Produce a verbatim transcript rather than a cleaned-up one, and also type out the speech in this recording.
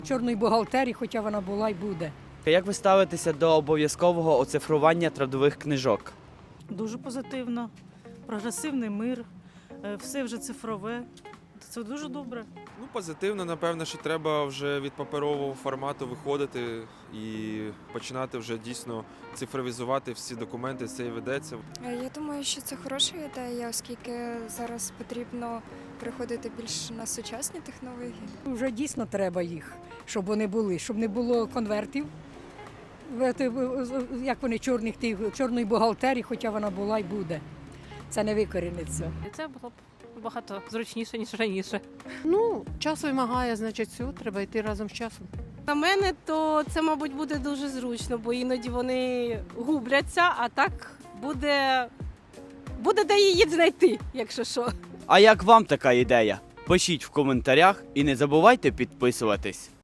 Чорної бухгалтерії, хоча вона була і буде. Як ви ставитеся до обов'язкового оцифрування трудових книжок? Дуже позитивно. Прогресивний мир, е, все вже цифрове. Це дуже добре. Ну, позитивно, напевно, що треба вже від паперового формату виходити і починати вже дійсно цифровізувати всі документи, це і ведеться. Я думаю, що це хороша ідея, оскільки зараз потрібно переходити більш на сучасні технології. Вже дійсно треба їх, щоб вони були, щоб не було конвертів. В- те- в- Як вони чорних тих, чорної бухгалтерії, хоча вона була і буде. Це не викоріниться. І це було б багато зручніше, ніж раніше. Ну, час вимагає, значить, все, треба йти разом з часом. На мене, то це, мабуть, буде дуже зручно, бо іноді вони губляться, а так буде, буде де її знайти, якщо що. А як вам така ідея? Пишіть в коментарях і не забувайте підписуватись.